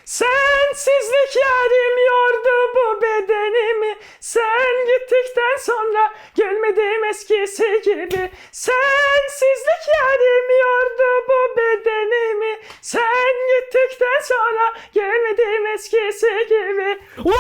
Sensizlik yarim yordu bu bedenimi. Sen gittikten sonra gülmedim eskisi gibi. Sensizlik yarim yordu bu bedenimi. Sen gittikten sonra gülmedim eskisi gibi.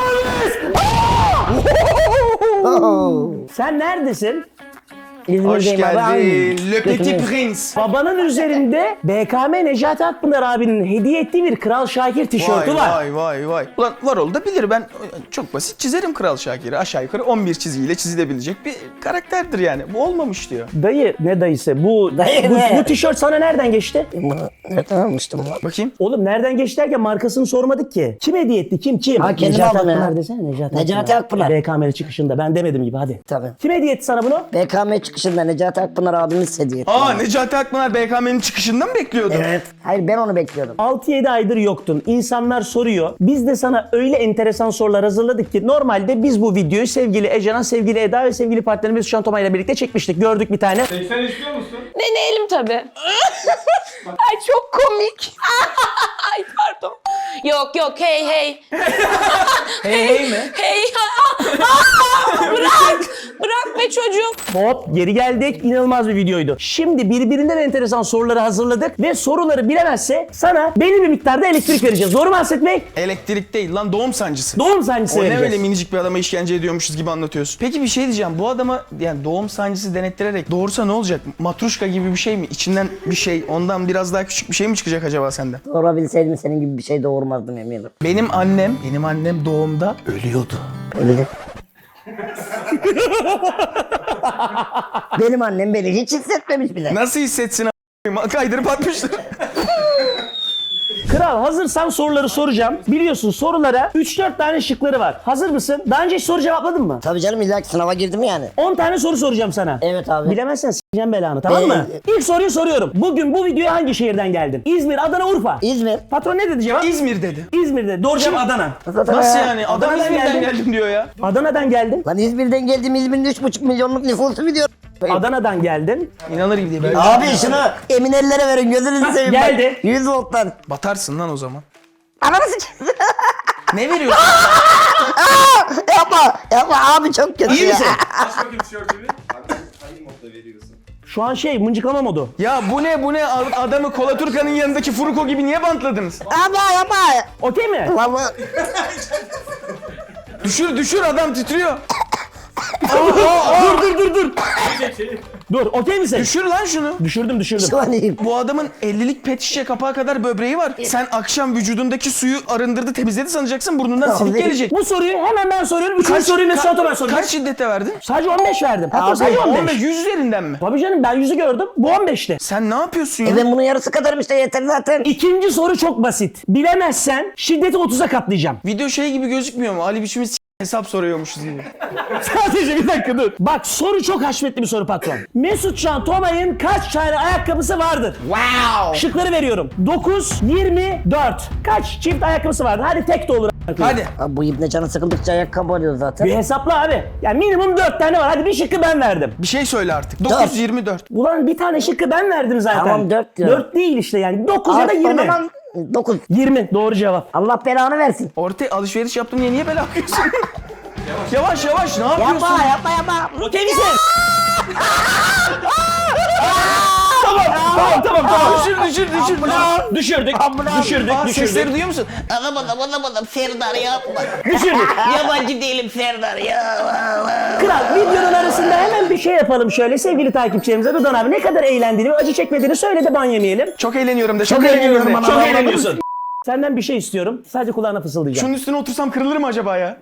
Sen neredesin? Hoş geldin. Le Petit Prince. Babanın üzerinde BKM Necati Akpınar abinin hediye ettiği bir Kral Şakir tişörtü var. Vay. Ulan Varol da bilir, ben çok basit çizerim Kral Şakir'i. Aşağı yukarı 11 çizgiyle çizilebilecek bir karakterdir yani. Bu olmamış diyor. Dayı ne dayısı? Bu tişört sana nereden geçti? Nereden almıştım lan? Bakayım. Oğlum nereden geçti derken markasını sormadık ki. Kim hediye etti? Kim? Ha, kendim Necati aldım ya. Akpınar desene. Necati Akpınar. BKM'li çıkışında. Ben demedim gibi hadi. Tabii. Kim hediye etti sana bunu? BKM çıkışında Necati Akpınar abimiz hediye etti. Necati Akpınar BKM'nin çıkışından mı bekliyordu? Evet. Hayır, ben onu bekliyordum. 6-7 aydır yoktun. İnsanlar soruyor. Biz de sana öyle enteresan sorular hazırladık ki normalde biz bu videoyu sevgili Ecehan, sevgili Eda ve sevgili partnerimiz Şan Toma ile birlikte çekmiştik. Gördük bir tane. Sen istiyor musun? Deneyelim tabii. Ay çok komik. Ay pardon. Yok hey. Hey mi? Hey. Bırak be çocuğum. Hop geri geldik. İnanılmaz bir videoydu. Şimdi birbirinden enteresan soruları hazırladık ve soruları bilemezse sana belli bir miktarda elektrik vereceğiz. Doğru mu Hasret Bey? Elektrik değil lan, doğum sancısı. Doğum sancısı O ne vereceğiz. öyle minicik bir adama işkence ediyormuşuz gibi anlatıyorsun. Peki bir şey diyeceğim. Bu adama yani doğum sancısı denettirerek doğursa ne olacak? Matruşka gibi bir şey mi? İçinden bir şey, ondan biraz daha küçük bir şey mi çıkacak acaba senden? Doğurabilseydim senin gibi bir şey doğurmazdım eminim. Benim annem doğumda ölüyordu. Öyle. Benim annem beni hiç hissetmemiş bile. Nasıl hissetsin a**ayım? Kaydırıp atmıştır. Kral hazırsan soruları soracağım. Biliyorsun sorulara 3-4 tane şıkları var. Hazır mısın? Daha önce hiç soru cevapladın mı? Tabii canım, illa ki sınava girdim yani. 10 tane soru soracağım sana. Evet abi. Bilemezsen s**eceğim belanı, tamam mı? İlk soruyu soruyorum. Bugün bu videoya hangi şehirden geldin? İzmir, Adana, Urfa. İzmir. Patron ne dedi cevap? İzmir dedi. İzmir'de. Doğru cevap Adana. Nasıl yani? Adam Adana'dan İzmir'den geldim. geldim diyor ya. Adana'dan geldin. Lan İzmir'den geldim, İzmir'in 3,5 milyonluk nüfusu biliyor. Adana'dan geldin. İnanır gibi değil. Böyle Abi şunu emin ellere verin, gözünüzü seveyim. bak. geldi. 100 volttan. batarsın lan o zaman. Ananı sikeyim. Ne veriyorsun? Yapma abi, çok kötü İyi ya. misin? Aç bakayım tişörtünü. Hangi modda veriyorsun? Şu an mıncıklama modu. Ya bu ne? Adamı Kolaturka'nın yanındaki Furuko gibi niye bantladınız? Yapma. Okey mi? Vallahi Düşür adam titriyor. Dur. Dur, okey misin? Düşür lan şunu. Düşürdüm. şu an iyiyim. Bu adamın 50'lik pet şişe kapağı kadar böbreği var. Sen akşam vücudundaki suyu arındırdı, temizledi sanacaksın, burnundan silik Abi. gelecek. Bu soruyu hemen ben soruyorum. Üçüncü soruyu Mesut Ato ben soracağım. Kaç şiddete verdin? Sadece 15 verdim. Hatta Abi, sadece 15. 15, 100 üzerinden mi? Tabii canım, ben 100'ü gördüm. Bu 15'ti. Sen ne yapıyorsun ya? Ben bunun yarısı kadarım işte, yeter zaten. İkinci soru çok basit. Bilemezsen şiddeti 30'a katlayacağım. Video şey gibi gözükmüyor mu? Ali biçimiz hesap soruyormuşuz gibi. Sadece bir dakika dur. Bak soru çok haşmetli bir soru patron. Mesut Can Tomay'ın kaç tane ayakkabısı vardır? Wow! Şıkları veriyorum. 9, 24. Kaç çift ayakkabısı vardır? Hadi tek de olur. Hadi. Abi bu ibne canı sıkıldıkça ayakkabı alıyor zaten. Bir hesapla abi. Yani minimum 4 tane var. Hadi bir şıkkı ben verdim. Bir şey söyle artık. 9, 24. Ulan bir tane şıkkı ben verdim zaten. Tamam, 4 diyorum. 4 değil işte yani. 9 ya da Abi, 20. o zaman 9. 20 doğru cevap. Allah belanı versin. Ortaya alışveriş yaptım diye niye bela yapıyorsun? Yavaş ne yapıyorsun? Yapma. Okey misin? Tamam. Düşür. Düşürdük. Sesleri duyuyor musun? Anlamadım Serdar yapma. Düşürdük. Yabancı değilim Serdar ya. Kral videonun arasında hemen bir şey yapalım şöyle sevgili takipçilerimize. Rıdvan abi ne kadar eğlendiğini ve acı çekmediğini söyle de ban yemeyelim. Çok eğleniyorum de. Çok eğleniyorum ana. Çok eğleniyorsun. Senden bir şey istiyorum. Sadece kulağına fısıldayacağım. Şunun üstüne otursam kırılır mı acaba ya?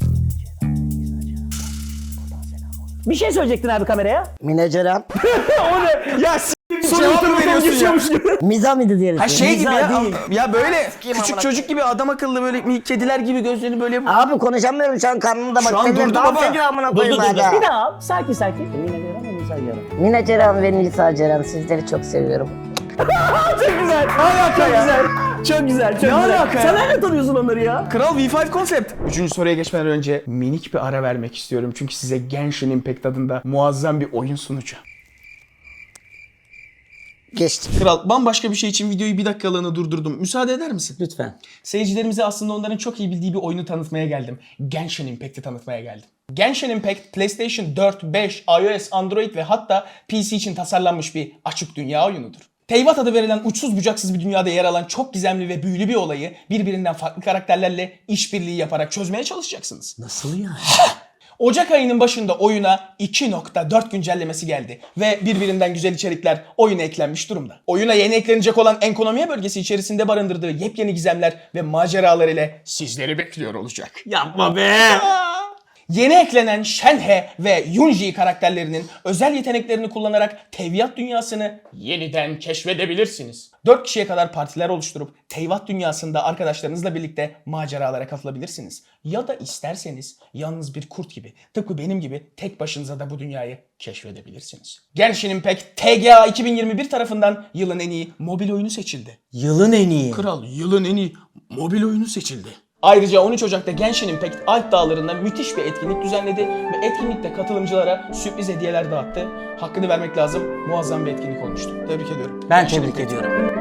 Bir şey söyleyecektin abi kameraya. Mineceran. O ne? Ya cevap mı veriyorsun ya? Miza mıydı diyelim. Ha şey gibi Mizah ya. değil. Ya böyle küçük çocuk gibi adam akıllı böyle kediler gibi gözlerini böyle yapıp. Abi konuşamıyorum şu an, karnımda bak. Şu an Seninle durdu dans baba. ediyor amına Dur. koyayım hala. Bir daha al. Sakin. Mine Ceren ve Nisa Ceren, sizleri çok seviyorum. Çok güzel. Çok güzel. Ne alaka ya? Sen nereden tanıyorsun onları ya? Kral V5 konsept. Üçüncü soruya geçmeden önce minik bir ara vermek istiyorum. Çünkü size Genshin Impact adında muazzam bir oyun sunacağım. Geçtim. Kral, bambaşka bir şey için videoyu bir dakikalığına durdurdum. Müsaade eder misin? Lütfen. Seyircilerimize aslında onların çok iyi bildiği bir oyunu tanıtmaya geldim. Genshin Impact'i tanıtmaya geldim. Genshin Impact, PlayStation 4, 5, iOS, Android ve hatta PC için tasarlanmış bir açık dünya oyunudur. Teyvat adı verilen uçsuz bucaksız bir dünyada yer alan çok gizemli ve büyülü bir olayı birbirinden farklı karakterlerle işbirliği yaparak çözmeye çalışacaksınız. Nasıl yani? Ocak ayının başında oyuna 2.4 güncellemesi geldi ve birbirinden güzel içerikler oyuna eklenmiş durumda. Oyuna yeni eklenecek olan Enkonomiya bölgesi içerisinde barındırdığı yepyeni gizemler ve maceralar ile sizleri bekliyor olacak. Yapma be. Yeni eklenen Shenhe ve Yunji karakterlerinin özel yeteneklerini kullanarak Teyvat dünyasını yeniden keşfedebilirsiniz. 4 kişiye kadar partiler oluşturup Teyvat dünyasında arkadaşlarınızla birlikte maceralara katılabilirsiniz. Ya da isterseniz yalnız bir kurt gibi, tıpkı benim gibi tek başınıza da bu dünyayı keşfedebilirsiniz. Genshin Impact TGA 2021 tarafından yılın en iyi mobil oyunu seçildi. Yılın en iyi. Kral, yılın en iyi mobil oyunu seçildi. Ayrıca 13 Ocak'ta Genshin Impact Alp Dağları'nda müthiş bir etkinlik düzenledi ve etkinlikte katılımcılara sürpriz hediyeler dağıttı. Hakkını vermek lazım, muazzam bir etkinlik olmuştu. Tebrik ediyorum. Ben Genshin tebrik Impact. ediyorum.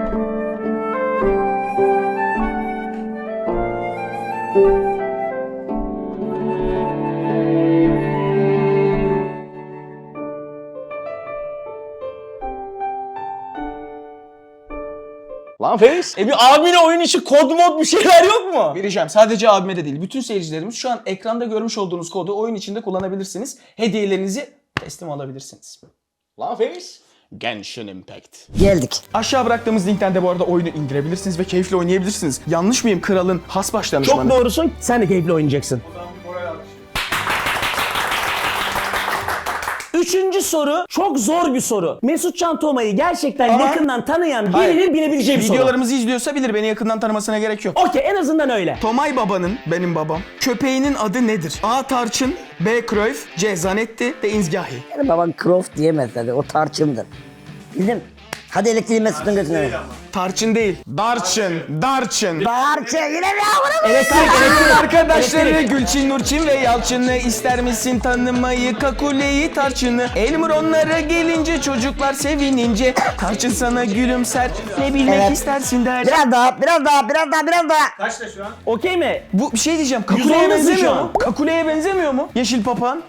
Lan Feris, bir abine oyun içi kod mod bir şeyler yok mu? Vereceğim. Sadece abime de değil. Bütün seyircilerimiz şu an ekranda görmüş olduğunuz kodu oyun içinde kullanabilirsiniz. Hediyelerinizi teslim alabilirsiniz. Lan Feris. Genshin Impact. Geldik. Aşağı bıraktığımız linkten de bu arada oyunu indirebilirsiniz ve keyifle oynayabilirsiniz. Yanlış mıyım kralın has baş danışmanı? Çok doğrusun. Sen de keyifli oynayacaksın. Üçüncü soru çok zor bir soru. Mesut Can Toma'yı gerçekten Ama- yakından tanıyan Hayır. birinin bilebileceği bir soru. Videolarımızı izliyorsa bilir, beni yakından tanımasına gerek yok. Okey, en azından öyle. Tomay Baba'nın, benim babam, köpeğinin adı nedir? A. Tarçın, B. Cruyff, C. Zanetti, D. İnzgahi. Benim baban Croft diyemez dedi. O tarçındır. Bildim. Hadi elektriği Mesut'un götüne ver. Tarçın değil, Darçın, Darçın. Tarçın yine mi yavrum? Elektrik. Arkadaşları Gülçin, Nurçin ve Yalçın'ı ister misin tanımayı, Kakule'yi, Tarçın'ı? Elmur onlara gelince çocuklar sevinince Tarçın sana gülümser, ne bilmek Evet. istersin der. Biraz daha, biraz daha, biraz daha, biraz daha. Kaçta şu an? Okey mi? Bu bir şey diyeceğim, 110'dasın Kakule'ye şu benzemiyor an. mu? Kakule'ye benzemiyor mu? Yeşil papağan.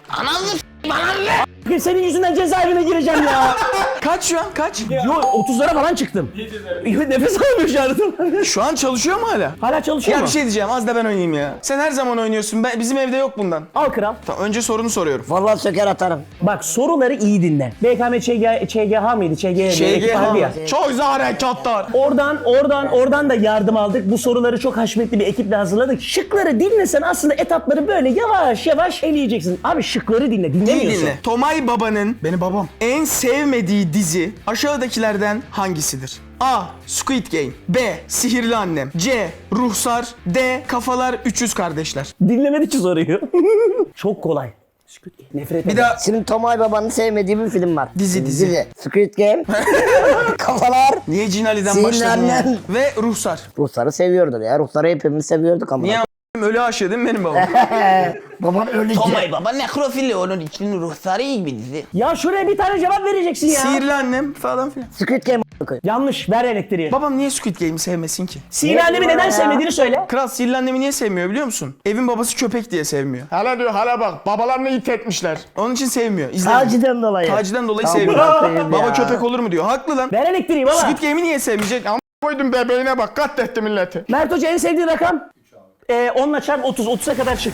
Senin yüzünden cezaevine gireceğim ya. Kaç şu an, kaç? Yo 30'lara falan çıktım. Nefes alamıyor şu an. Şu an çalışıyor mu hala? Hala çalışıyor Ya mu? bir şey diyeceğim, az da ben oynayayım ya. Sen her zaman oynuyorsun, bizim evde yok bundan. Al kral. Tamam, önce sorunu soruyorum. Vallahi söker atarım. Bak soruları iyi dinle. BKM ÇGH mıydı? ÇGH Şey, vardı ya. çok güzel harekatlar. Oradan da yardım aldık. Bu soruları çok haşmetli bir ekiple hazırladık. Şıkları dinlesen aslında etapları böyle yavaş yavaş eleyeceksin. Abi şıkları dinle. İyi Dinlemiyorsun. dinle. Tomay Baba'nın, benim babam, en sevmediği dizi aşağıdakilerden hangisidir? A. Squid Game, B. Sihirli Annem, C. Ruhsar, D. Kafalar 300 Kardeşler. Dinlemedi ki soruyu. Çok kolay. Nefret Bir ederim. daha Şimdi Tomay Baba'nın sevmediği bir film var. Dizi. Squid Game. Kafalar. niye Cin Ali'den Sihirli başladın ya? Annem. Ve Ruhsar. Ruhsarı seviyordur ya. Ruhsarı hepimiz seviyorduk ama. Niye ölü aşığı değil mi benim babam? Baban öyle Tomay Baba nekrofili, onun için ruhsarı iyi bir dizi. Ya şuraya bir tane cevap vereceksin ya. Sihirli Annem falan filan. Squid Game. Yanlış. Ver elektriği. Babam niye Squid Game'i sevmesin ki? Sihirli annemi neden sevmediğini söyle. Kral Sihirli Annem'i niye sevmiyor biliyor musun? Evin babası köpek diye sevmiyor. Hala diyor, hala bak babalarını it etmişler. Onun için sevmiyor. İzlemiyor. Taciden dolayı. Taciden dolayı Aman sevmiyor. koyayım Baba ya. köpek olur mu diyor. Haklı lan. Ver elektriği baba. Squid Game'i niye sevmeyecek? Ama koydum bebeğine bak, katletti milleti. Mert Hoca en sevdiğin rakam? 10'la çarp 30. 30'a kadar çık.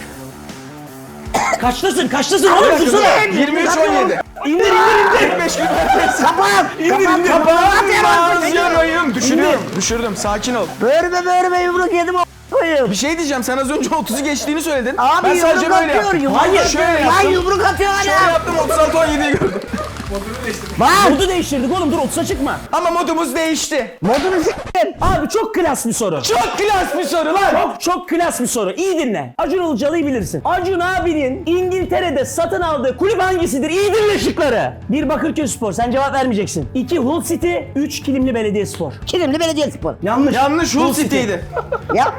Kaçtasın oğlum dursana. 23-17. İndir. 45 gün. Kapat. İndir. Kapağım. Düşürdüm. Sakin ol. Böğrüme yumruk yedim koyayım. Bir şey diyeceğim. Sen az önce 30'u geçtiğini söyledin. Abi ben sadece yumruk böyle atıyor. yaptım. Yumruk Hayır, atıyor. şöyle Lan yaptım. yumruk atıyor Şöyle hala. yaptım, 36-17'yi gördüm. Bak. Modu değiştirdik oğlum dur 30'a çıkma. Ama modumuz değişti. Modunu s**tim. Abi çok klas bir soru. Çok klas bir soru lan. Çok klas bir soru. İyi dinle. Acun Ilıcalı'yı bilirsin. Acun abinin İngiltere'de satın aldığı kulüp hangisidir? İyi dinle şıkları. 1 Bakırköy Spor. Sen cevap vermeyeceksin. 2 Hull City. 3 Kilimli Belediyespor. Kilimli Belediyespor. Yanlış. Hull City'ydi. Ya.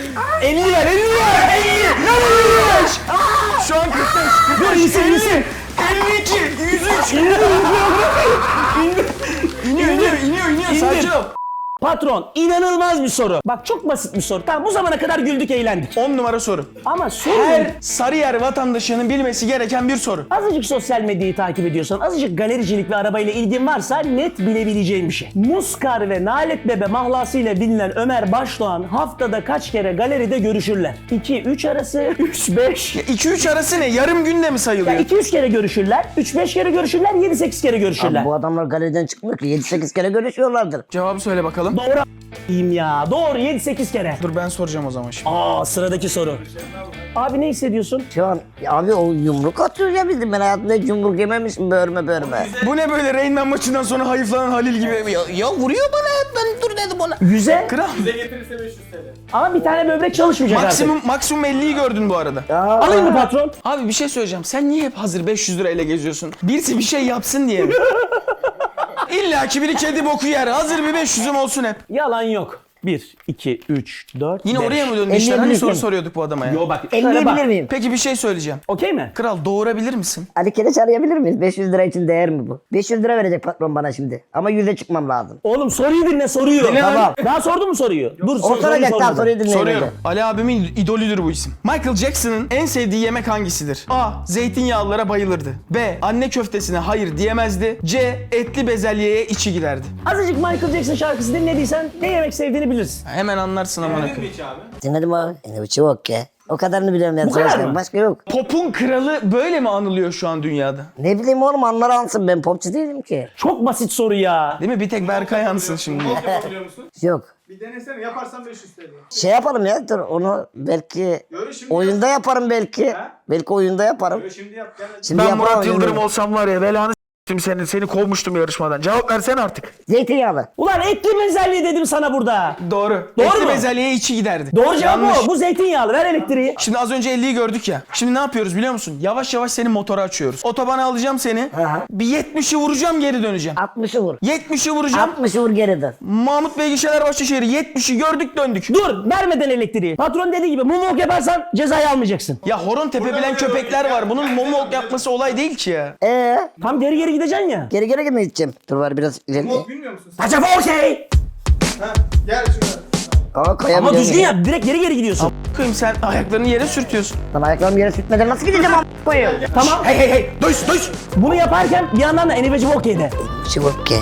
50 ver. Şu an 45. Dur iyisin. İniyor. Sakin ol. Patron, inanılmaz bir soru. Bak çok basit bir soru. Tamam bu zamana kadar güldük eğlendik. 10 numara soru. Ama soru Her Sarıyer vatandaşının bilmesi gereken bir soru. azıcık sosyal medyayı takip ediyorsan, azıcık galericilik ve arabayla ilgin varsa net bilebileceğin bir şey. Muskar ve Nalet Bebe mahlasıyla bilinen Ömer Başdoğan haftada kaç kere galeride görüşürler? 2-3 arası, 3-5. 2-3 arası ne? Yarım günde mi sayılıyor? 2-3 kere görüşürler, 3-5 kere görüşürler, 7-8 kere görüşürler. Abi bu adamlar galeriden çıkmıyor ki 7-8 kere görüşüyorlardır. Cevabı söyle bakalım. Doğru a**ayım ya. Doğru 7-8 kere. Dur ben soracağım o zaman şimdi. Sıradaki soru. Abi ne hissediyorsun? Şu an ya abi o yumruk atıyor ya bizim. Ben hayatımda hiç yumruk yememişim börme. Bu ne böyle Rain Man maçından sonra hayıflanan Halil gibi? Ya vuruyor bana hep ben dur dedim ona. 100'e Kral. Bize getirirse 500 TL. ama bir tane böbrek çalışmayacak artık. Maksimum 50'yi gördün bu arada. Alayım mı patron? Abi bir şey söyleyeceğim. Sen niye hep hazır 500 lirayla geziyorsun? Birisi bir şey yapsın diye mi? İlla ki biri kedi boku yer. Hazır bir 500'üm olsun hep. Yalan yok. 1, 2, 3, 4, Yine 5. oraya mı döndü işler? Hani Elleyebilirsin. soru soruyorduk bu adama ya. Yo bak. şöyle Elleyebilir bak. miyim? Peki bir şey söyleyeceğim. Okey mi? Kral doğurabilir misin? Ali Keleş arayabilir miyiz? 500 lira için değer mi bu? 500 lira verecek patron bana şimdi. Ama 100'e çıkmam lazım. Oğlum soruyu dinle soruyu. Dinle lan. Tamam. Daha sordun mu soruyu? Dur O soracak soruyu tamam soruyu dinleyin. Soruyorum. Ali abimin idolüdür bu isim. Michael Jackson'ın en sevdiği yemek hangisidir? A. Zeytinyağlılara bayılırdı. B. Anne köftesine hayır diyemezdi. C. Etli bezelyeye içi giderdi. Azıcık Michael Jackson şarkısı dinlediysen ne yemek sevdiğini bilirsin. Hemen anlarsın amına Dinledin mi koyayım. hiç abi? Dinledim abi. Ne biçim ok ya. O kadarını biliyorum yani. Bu kadar mı? Başka yok. Pop'un kralı böyle mi anılıyor şu an dünyada? Ne bileyim oğlum anlar ansın ben popçu değilim ki. Çok basit soru ya. Değil mi? Bir tek Berkay yansın şimdi. Mock yapabiliyor musun? Yok. Bir denesene, yaparsan 500 TL. Şey yapalım ya dur onu belki Öyle şimdi oyunda yaparım belki. Ha? Belki oyunda yaparım. Öyle şimdi yap. Gel. Şimdi yapamam, oyunda. olsam var ya belanı seni kovmuştum yarışmadan. Cevap versene artık. Zeytinyağlı. Ulan etli bezelye dedim sana burada. Doğru. Doğru Etli mu? bezelyeye içi giderdi. Doğru cevap Yanlış. o. Bu zeytinyağlı. Ver elektriği. Şimdi az önce 50'yi gördük ya. Şimdi ne yapıyoruz biliyor musun? Yavaş yavaş senin motoru açıyoruz. Otobana alacağım seni. Aha. Bir 70'i vuracağım geri döneceğim. 60'ı vur. 70'i vuracağım. 60'ı vur geri dön. Mahmut Bey Gişeler Başlaşehir 70'i gördük döndük. Dur vermeden elektriği. Patron dediği gibi mumok yaparsan cezayı almayacaksın. Ya horon tepebilen köpekler var. Bunun momok yapması olay değil ki ya. Tam geri geri gideceksin ya. Geri geri mi gideceğim? Dur var biraz ileri. Mock bilmiyor musun sen? Acaba okey. Ha, gel şuraya. Aa koyabiliyorum. Ama düzgün ya. yap. Direkt geri geri gidiyorsun. Bakayım sen ayaklarını yere sürtüyorsun. Lan ayaklarımı yere sürtmeden nasıl gideceğim koyuyor. Tamam. Hey duys. Bunu yaparken bir yandan da enebeci okey de. Şu okey.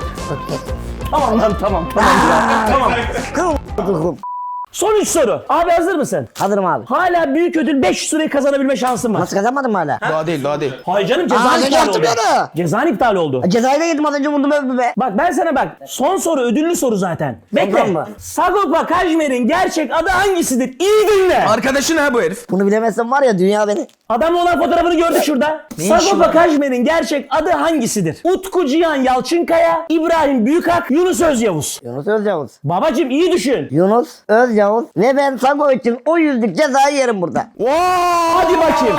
Tamam lan tamam. Tamam. Kıvırdım. Son 3 soru. Abi hazır mısın? Hazırım abi. Hala büyük ödül 500 lirayı kazanabilme şansın var. Nasıl kazanmadım hala? Daha değil. Hayır canım Aa, cezan ne iptal yaptım oldu. ya? Cezan iptal oldu. Cezayı da yedim az önce vurdum öldü be. Bak ben sana bak. Son soru ödüllü soru zaten. Bekle. Ondan mı? Sagopa Kajmer'in gerçek adı hangisidir? İyi dinle. Arkadaşın ha bu herif. Bunu bilemezsem var ya dünya beni. Adamla olan fotoğrafını gördük şurada. işi Sagopa var? Kajmer'in gerçek adı hangisidir? Utku Cihan Yalçınkaya, İbrahim Büyükak, Yunus Özyavuz. Yunus Özyavuz. Babacım iyi düşün. Yunus Özyavuz ve ben Sago için o 100'lük cezayı yerim burada. Hadi bakayım.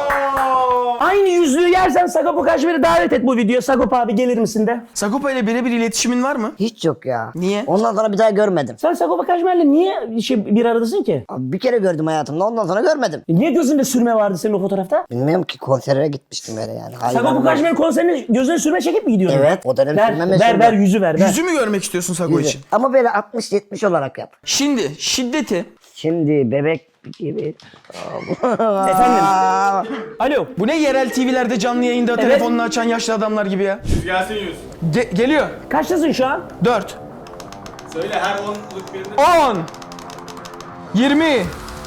Aynı yüzlüğü yersen Sagopa Kajmer'i davet et bu videoya. Sagopa abi gelir misin de? Sagopa ile birebir iletişimin var mı? Hiç yok ya. Niye? Ondan sonra bir daha görmedim. Sen Sagopa Kajmer'le niye bir aradasın ki? Abi bir kere gördüm hayatımda ondan sonra görmedim. Niye gözünde sürme vardı senin o fotoğrafta? Bilmiyorum ki konsere gitmiştim öyle yani. Sagopa Kajmer konserine gözüne sürme çekip mi gidiyorsun? Evet, o dönem ver, sürme ver, meşhurdu. ver yüzü ver. Yüzü mü görmek istiyorsun Sago için? Ama böyle 60-70 olarak yap. Şimdi şiddeti. Şimdi bebek gibi. Efendim. Alo. Bu ne yerel TV'lerde canlı yayında telefonunu açan yaşlı adamlar gibi ya. Gelsin yüz. Geliyor. Kaçtasın şu an? 4. Söyle her 10'luk birini. 10 20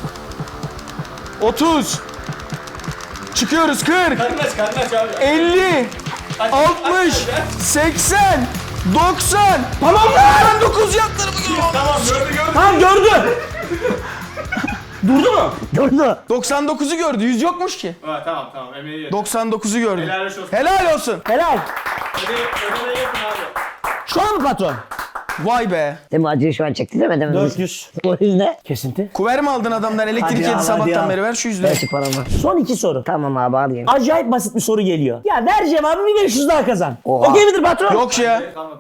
30 Çıkıyoruz 40 Karnı aç abi. 50 60 80 90 Tamam mı? 9 yaptırımı Tamam gördü. Tamam gördüm. Durdu mu? Durdu. 99'u gördü 100 yokmuş ki. Ha, tamam emeği yedim. 99'u gördü. Helal olsun. Helal olsun. Helal. Hadi ödemeyi yapın abi. Şu an mı patron? Vay be. Değil mi acıyı şu an çekti değil mi? Değil mi? 400. O yüzden. Kesinti. Kuver mi aldın adamdan elektrik Hadi yedi al, hadi sabahtan al. beri ver şu 100 Ver lirayı. şu paramı. Son 2 soru. Tamam abi alayım. Acayip basit bir soru geliyor. Ya ver cevabı bir 500 daha kazan. Oha. Okey midir patron? Yok ya. Kalmadı abi 500.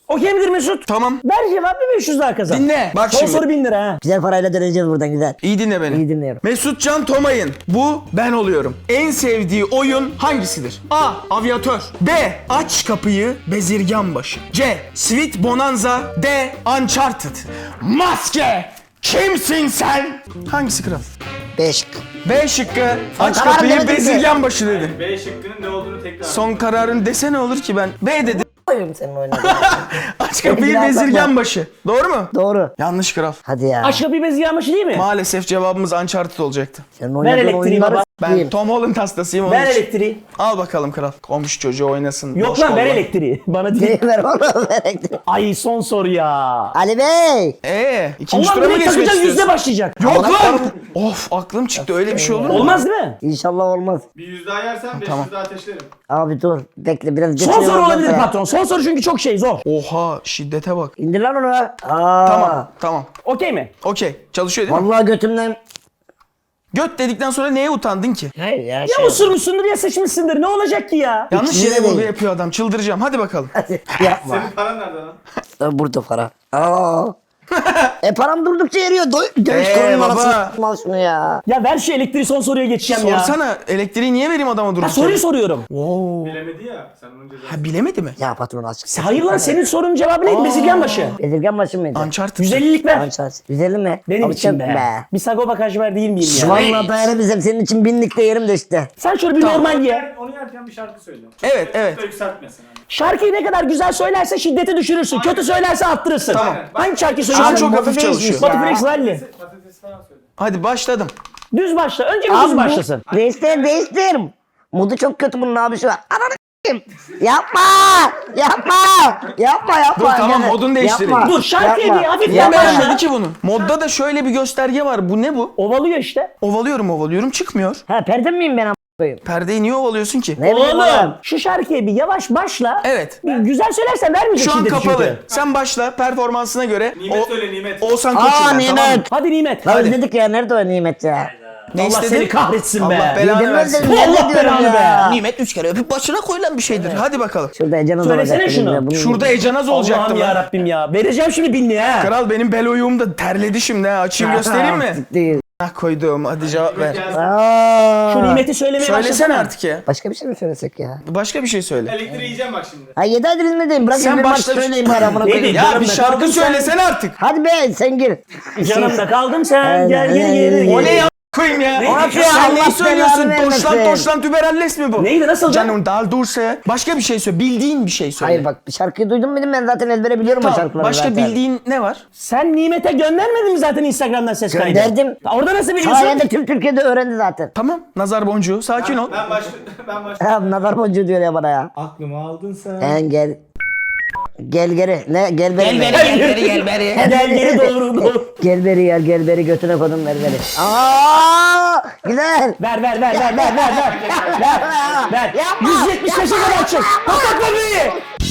Okey midir Mesut? Tamam. Ver cevap bir 500 daha kazan. Dinle. Bak Son şimdi. soru 1000 lira ha. Güzel parayla döneceğiz buradan güzel. İyi dinle beni. İyi dinliyorum. Mesutcan Tomay'ın bu ben oluyorum. En sevdiği oyun hangisidir? A. Avyatör. B. Aç kapıyı bezirgan başı. C. Sweet Bonanza. D. Uncharted. Maske. Kimsin sen? Hangisi kral? 5. B şıkkı. Aç karar kapıyı vermedin ki. bezirgan başı dedi. B şıkkının ne olduğunu tekrar. Son kararın dese ne olur ki ben? B dedim. Koyayım senin oynadığın. Aç kapıyı Biraz bezirgan daha. başı. Doğru mu? Doğru. Yanlış kral. Hadi ya. Aşk kapıyı bez yağmışı değil mi? Maalesef cevabımız Uncharted olacaktı. Senin oynadığın elektriği oyunları baba. Ben s**eyim. Tom Holland hastasıyım onun Ver için. elektriği. Al bakalım kral. Komşu çocuğu oynasın. Yok boş lan ver kolla. elektriği. Bana değil. Ver oğlum ver elektriği. Ay son soru ya. Ali Bey. İkinci Allah tura mı direkt geçmek takacağız yüzde istiyorsun? başlayacak. Yok Amına lan! koyayım. Of aklım çıktı öyle bir şey olur mu? Olmaz değil mi? İnşallah olmaz. Bir 100 daha yersen 500 daha ateşlerim. Abi dur. Bekle biraz Son geçiyorum soru ondan olabilir sonra. patron. Son soru çünkü çok şey zor. Oha şiddete bak. İndir lan onu. Aa. Tamam. Okey mi? Okey. Çalışıyor değil mi? Vallahi götümden. Göt dedikten sonra neye utandın ki? Hayır ya. Ya usurmuşsundur ya seçmişsindir. Ne olacak ki ya? Yanlış İkisini yere de vurgu değil. yapıyor adam. Çıldıracağım. Hadi bakalım. Yapma. Senin paran nerede lan? Burada para. Aa. Param durdukça eriyor. Dövüş konunun baba. arasında. Al şunu ya. Ya ver şu elektriği son soruya geçeceğim ya. Sorsana elektriği niye vereyim adama Ha, durduk soruyu yere? soruyorum. Bilemedi ya. Sen onun cezası. Ha bilemedi mi? Ya patron açık. Hayır lan senin sorunun cevabı neydi? Bezirgen başı. Bezirgen başı mıydı? Uncharted. 150'lik ver. Ançaz. 150 mi? Benim Abi için çok be. Bir Sagopa Kajmer değil miyim ya? Vallahi dayanamıyorum. Senin için binlik de yerim de işte. Sen şöyle bir normal ye. Onu yerken bir şarkı söyle. Evet, evet. Yükseltmesin. Hani. Şarkıyı ne kadar güzel söylerse şiddeti düşürürsün. Kötü söylerse arttırırsın. Tamam. Hangi şarkıyı Şu an söylüyorsun? çok hafif çalışıyor. Spotify Rally. Patates falan söyle. Hadi başladım. Düz başla. Önce bir düz başlasın. Değiştir. Modu çok kötü bunun abi şu an. Ananı s**eyim. Yapma. Dur tamam Gene. modunu değiştireyim. Yapma. Dur şarkıyı Yapma. bir hafif Niye yapma. beğenmedi ki bunu? Modda da şöyle bir gösterge var. Bu ne bu? Ovalıyor işte. Ovalıyorum çıkmıyor. Ha perde miyim ben a**ayım? Perdeyi niye ovalıyorsun ki? Ne bileyim Oğlum şu şarkıya bir yavaş başla. Evet. Bir güzel söylersen vermeyecek Şu an şiddeti kapalı. çünkü. Sen başla performansına göre. Nimet söyle Nimet. Oğuzhan Aa Koç'um ben, Nimet. tamam mı? Hadi Nimet. Lan özledik ya. Nerede o Nimet ya? Ne Allah istedin? seni kahretsin be. Allah belanı Yedim versin. özledim. Allah Ne diyorum belanı ya? Nimet 3 kere öpüp başına koyulan bir şeydir. Hadi bakalım. Şurada Ecanız Söylesene olacak. şunu. benim de. Şurada Ecanaz olacaktı Allah'ım ya lan. Rabbim ya. Vereceğim şimdi 1000 lira ha. Kral benim bel oyuğum da terledi şimdi ha. Açayım göstereyim mi? Değil. Ah koydum. Hadi cevap ver. Aa. Şu Nimet'i söylemeye Söylesene başlasana. artık ya. Başka bir şey mi söylesek ya? Başka bir şey söyle. Elektriği yiyeceğim bak şimdi. Ha 7 aydır izledeyim. Bırak Sen bir maç başla. söyleyeyim bari amına Neydi? koyayım. Ya Canım bir da şarkı kaldın sen. söylesene artık. Hadi be sen gir. Yanımda kaldım sen. Aynen, Gel geri aynen, geri aynen. geri. O ne ya koyayım ya? Ne? Sen Allah neyi söylüyorsun? belanı Toşlan vermesin. toşlan tüberelles mi bu? Neydi nasıl canım? Canım dal dursa. Başka bir şey söyle. Bildiğin bir şey söyle. Hayır bak bir şarkıyı duydum dedim ben zaten ezbere biliyorum o Tamam. şarkıları Başka zaten. bildiğin ne var? Sen Nimet'e göndermedin mi zaten Instagram'dan ses kaydı? Gönderdim. Orada nasıl biliyorsun? Sayende tüm Türkiye'de öğrendi zaten. Tamam. Nazar boncuğu. Sakin ol. Ben başlıyorum. Ha nazar boncuğu diyor ya bana ya. Aklımı aldın sen. Sen gel. Gel geri. Ne? Gel beri. gel beri. Gel geri doğru. Gel beri yer gel beri götüne kodum ver beri. Aa! Güzel. Ver. Ver. Yapma. 175'e kadar çık. Kapat beni.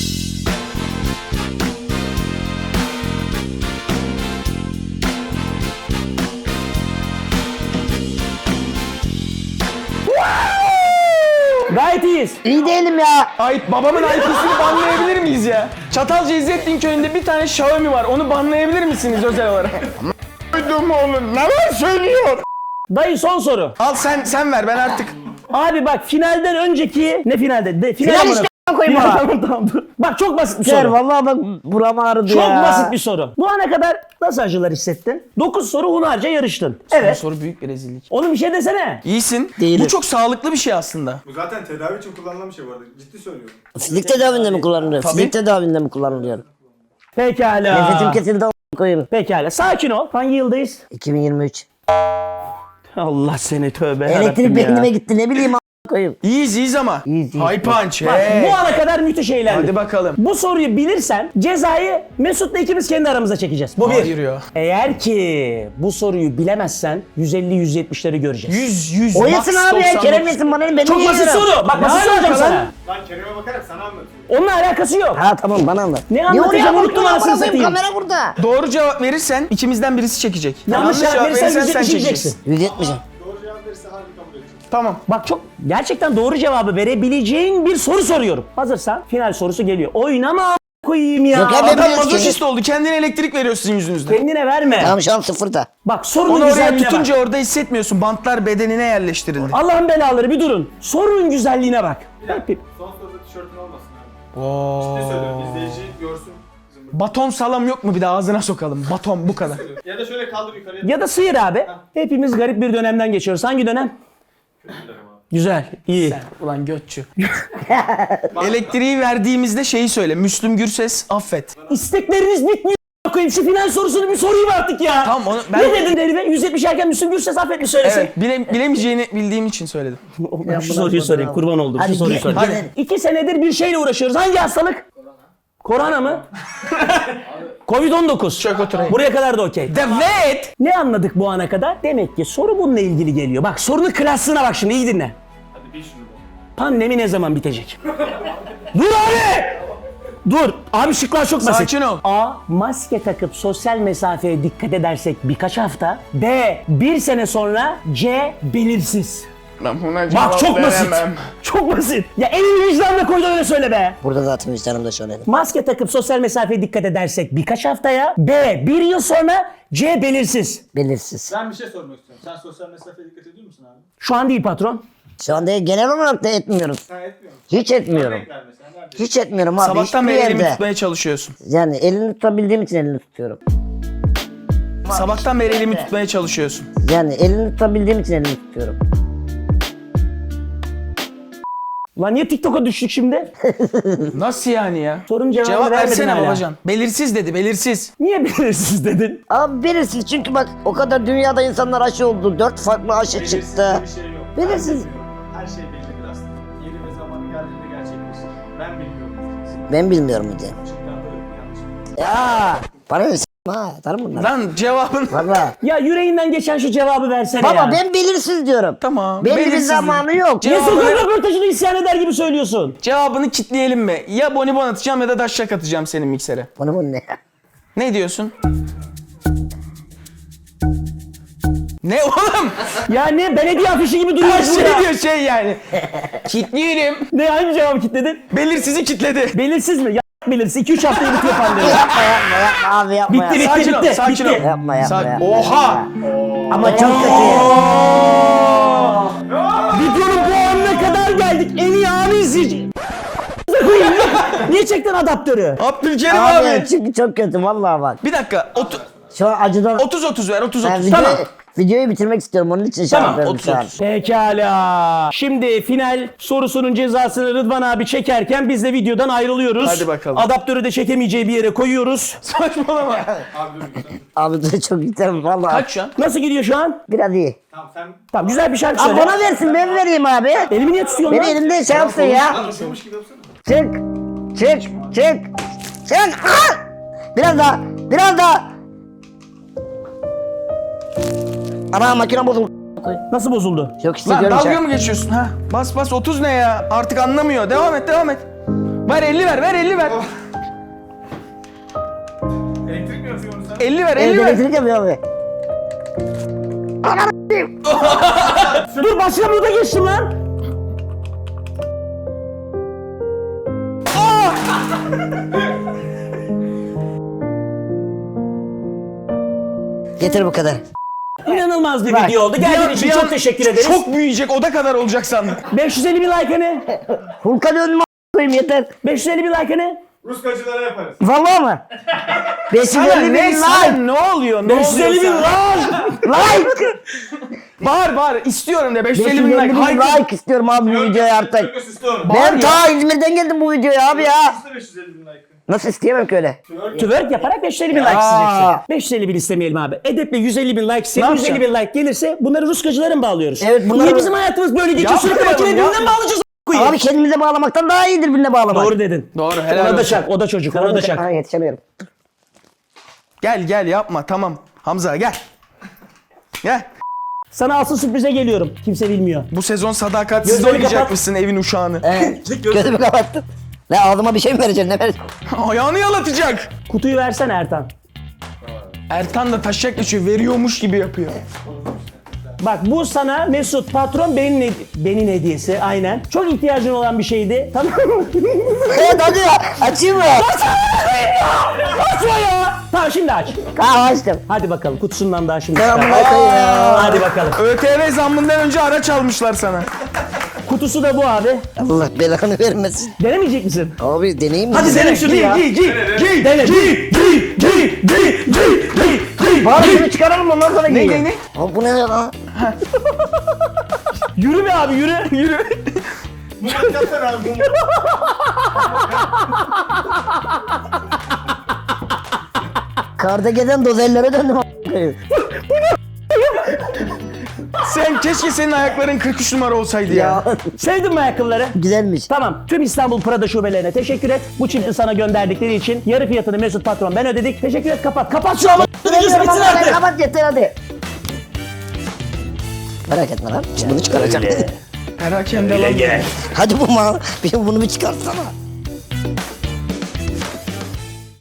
Gayet iyiyiz. İyi değilim ya. Ait babamın IP'sini banlayabilir miyiz ya? Çatalca İzzettin köyünde bir tane Xiaomi var. Onu banlayabilir misiniz özel olarak? Duydum oğlum. Neler söylüyor? Dayı son soru. Al sen ver ben artık. Abi bak finalden önceki ne finalde? Final amına- işte koyayım Final, bana. tamam dur. Bak çok basit bir Gel soru. vallahi bak buram ağrıdı Çok ya. basit bir soru. Bu ana kadar nasıl acılar hissettin? 9 soru hunharca yarıştın. Bu Evet. soru büyük bir rezillik. Oğlum bir şey desene. İyisin. Değilim. Bu çok sağlıklı bir şey aslında. Bu zaten tedavi için kullanılan bir şey bu arada. Ciddi söylüyorum. Fizik tedavinde mi kullanılıyor? Tabii. Fizik tedavinde mi kullanılıyor? Pekala. Nefesim kesildi a**ına koyayım. Pekala. Sakin ol. Hangi yıldayız? 2023. Allah seni tövbe Elektrik yarabbim ya. beynime gitti ne bileyim a**ına koyayım. İyiyiz ama. İyiyiz. High punch. Bak hey. bu ana kadar müthiş eğlendik. Hadi bakalım. Bu soruyu bilirsen cezayı Mesut'la ikimiz kendi aramızda çekeceğiz. Bu bir. Hayır ya. Eğer ki bu soruyu bilemezsen 150-170'leri göreceğiz. 100. O yesin abi ya Kerem yesin bana ne ben Çok basit yiyorum. soru. Bak Ne basit soracağım alaka sana. lan? Lan Kerem'e bakarak sana anlatıyorum. Onunla alakası yok. Ha tamam bana anlat. Ne anlatacağım, unuttum anasını satayım. Kamera burada. Doğru cevap verirsen ikimizden birisi çekecek. Yanlış cevap verirsen sen 170 çekeceksin. yiyeceksin. 170'im. Doğru cevap verirse harbi kabul edeceğim. Tamam. Bak çok gerçekten doğru cevabı verebileceğin bir soru soruyorum. Hazırsan final sorusu geliyor. Oynama koyayım ya. Yok ya, ben Adam biliyoruz ki. mazoşist oldu. Kendine elektrik veriyor sizin yüzünüzden. Kendine verme. Tamam şu an sıfırda. Bak sorunun Onu oraya güzelliğine tutunca bak. orada hissetmiyorsun. Bantlar bedenine yerleştirildi. Allah'ın belaları bir durun. Sorunun güzelliğine bak. Son soruda tişörtün olmasın abi. Ciddi söylüyorum. İzleyici görsün. Bizim Baton salam yok mu bir de ağzına sokalım. Baton bu kadar. Ya da şöyle kaldır yukarıya. Ya da sıyır abi. Hepimiz garip bir dönemden geçiyoruz. Hangi dönem? Güzel, iyi. Ulan götçü. Elektriği verdiğimizde şeyi söyle. Müslüm Gürses affet. İstekleriniz bitmiyor. Koyayım şu final sorusunu bir sorayım artık ya. Tamam, onu ben- Ne dedin herife? 170 erken Müslüm Gürses affetmiş söylesin. Evet bilemeyeceğini bildiğim için söyledim. Şu soruyu sorayım kurban oldum. Şu Hadi soruyu gel- sorayım. gel- 2 senedir bir şeyle uğraşıyoruz. Hangi hastalık? Korona mı? Covid-19. Çök oturayım. Buraya kadar da okey. Evet. Ne anladık bu ana kadar? Demek ki soru bununla ilgili geliyor. Bak sorunun klaslığına bak şimdi iyi dinle. Hadi bil şunu da. Pandemi ne zaman bitecek? Dur abi! Dur. Abi şıklar çok basit. Sakin ol. A. Maske takıp sosyal mesafeye dikkat edersek birkaç hafta. B. 1 sene sonra. C. Belirsiz. Ben buna Bak çok basit. Çok basit. Ya elini vicdanla koy da öyle söyle be. Burada zaten vicdanımda söyledim. Maske takıp sosyal mesafeye dikkat edersek birkaç haftaya. B. 1 yıl sonra. C. Belirsiz. Belirsiz. Ben bir şey sormak istiyorum. Sen sosyal mesafeye dikkat ediyor musun abi? Şu an değil patron. Şu anda genel olarak da etmiyoruz. Sen etmiyor musun? Hiç etmiyorum. Örnek ver mesela. Nerede? Hiç etmiyorum abi. Sabahtan hiçbir beri elimi yerde. tutmaya çalışıyorsun. Yani elini tutabildiğim için elini tutuyorum. Sabahtan beri elimi tutmaya çalışıyorsun. Yani elini tutabildiğim için elini tutuyorum. Lan niye TikTok'a düştük şimdi? Nasıl yani ya? Sorunun cevabını Cevap vermedin versene hala. babacan. Belirsiz dedi belirsiz. Niye belirsiz dedin? Abi belirsiz çünkü bak o kadar dünyada insanlar aşı oldu. 4 farklı aşı Belirsiz çıktı. bir şey yok. Belirsiz. Ben bilmiyorum. Her şey bellidir aslında. Yeri ve zamanı geldiğinde gerçekleşir. Ben bilmiyorum. Ben bilmiyorum mu diye. Çıktan yanlış. Ya para ver ha tanım bunları. Lan cevabın... Valla. Ya yüreğinden geçen şu cevabı versene Baba ya. ben belirsiz diyorum. Tamam. Belli bir belirsiz zamanı dedi. yok. Niye Cevabını- sokak röportajını isyan eder gibi söylüyorsun? Cevabını kitleyelim mi? Ya bonibon atacağım ya da daşşak atacağım senin miksere. Bu ne? Ne diyorsun? Ne oğlum? Ya ne belediye afişi gibi Her duruyorsun şey ya. diyor şey yani. Kitleyelim. Ne hangi cevabı kitledin? Belirsizi kitledi. Belirsiz mi? Ya belirsiz. 2-3 haftayı bitiyor pandemi. Yapma abi yapma Bitti, yapma. bitti. Sakin ol, sakin ol. Yapma yapma. Sakin- yapma. Oha! Ama çok kötü. Videonun bu anına kadar geldik. En iyi anı izleyici. Niye çektin adaptörü? Abdülkerim Abi, abi. çünkü çok kötü vallahi bak. Bir dakika. Şu an acıdan 30-30 ver 30-30. ben Tamam. videoyu bitirmek istiyorum onun için şey Tamam, yapıyorum şu an. 30-30. Pekala. Şimdi final sorusunun cezasını Rıdvan abi çekerken biz de videodan ayrılıyoruz. Hadi bakalım. Adaptörü de çekemeyeceği bir yere koyuyoruz. Saçmalama. Abi dur lütfen. Abi dur çok güzel vallahi. Kaç şu an? Nasıl gidiyor şu an? Biraz iyi. Tamam sen... Tamam güzel bir şarkı Abi söyle. bana versin ben vereyim abi. Elimi niye tutuyorsun Beni lan? elimde şey yapsın ya. Konuşuyormuş gibi yapsana. Çık. Çık. Çık. Çık. Ah! Biraz daha. Biraz daha. Ana makine bozuldu. Nasıl bozuldu? Yok işte Lan görmüş dalga ha. mı geçiyorsun ha? Bas bas 30 ne ya? Artık anlamıyor. Devam et devam et. Ver 50 ver ver 50 ver. Elektrik mi yapıyor onu sen? 50 ver Evet 50 ver. elektrik yapıyor abi. Dur başka burada geçtim lan. Getir bu kadar. İnanılmaz bir Bak, video oldu. Geldiğin için çok teşekkür ederiz. Çok büyüyecek oda kadar olacak sandım. 550 bin like hani? Hulk'a döndüm koyayım yeter. 550 bin like hani? Ruskacılara yaparız. Vallahi mı? Sana 550 bin ne sana like. ne oluyor? Ne 550 oluyor bin sana? like. Like. Bağır bağır istiyorum de 550 bin 550 like. bin Haydi. like istiyorum abi bu videoya artık. Göz istiyorum. Ben ta İzmir'den geldim bu videoya abi ya. Üstüne 550 bin like. Nasıl isteyemem ki öyle? Twerk yaparak 550 bin like isteyeceksin. 550 bin istemeyelim abi. Edeple 150 bin like isteyelim. Ne 150 bin like gelirse bunları Ruskacılara mı bağlıyoruz? Evet, bunları- Niye bizim hayatımız böyle geçiyor? Sürekli Yapmayalım, makine birbirinden yapmayalım. bağlayacağız. Abi kendimize bağlamaktan daha iyidir birine bağlamak. Doğru dedin. Doğru helal Ona da olsun. şak. O da çocuk. Ona da şak. Ha, yetişemiyorum. Gel yapma tamam. Hamza gel. Gel. Sana asıl sürprize geliyorum. Kimse bilmiyor. Bu sezon sadakatsiz Gözlerini oynayacakmışsın evin uşağını. Gözümü kapattım. Ne ağzıma bir şey mi vereceksin ne vereceksin? Ayağını yalatacak. Kutuyu versene Ertan. Ertan da taşak geçiyor veriyormuş gibi yapıyor. Bak bu sana Mesut patron benim hediyesi aynen. Çok ihtiyacın olan bir şeydi. Tamam mı? Evet hadi ya açayım mı? koyayım ya. Açma ya. Tamam şimdi aç. Açtım. Hadi bakalım kutusundan daha şimdi Tamam çıkar. bırakayım ya. Hadi bakalım. ÖTV zammından önce araç almışlar sana. Kutusu da bu abi. Allah belanı vermesin. Denemeyecek misin? Abi deneyeyim mi? Hadi dene şunu. Giy. Dene. Giy. Bari şunu çıkaralım ondan sonra giyelim. Ne? Abi bu ne lan? Yürü be abi yürü. Yürü. Murat yapsana abi. Murat. Kardege'den dozellere döndüm a**ayım. Sen keşke senin ayakların 43 numara olsaydı ya. Ya Sevdin mi ayakkabıları? güzelmiş. Tamam. Tüm İstanbul Prada şubelerine teşekkür et. Bu çifti sana gönderdikleri için yarı fiyatını Mesut patron ben ödedik. Teşekkür et kapat. Kapat şu an. Bilmiyorum ama kapat yeter hadi. Merak etme lan. Şimdi bunu çıkaracağım. Perakende lan. Hadi bu mal. Bunu bir çıkarsana.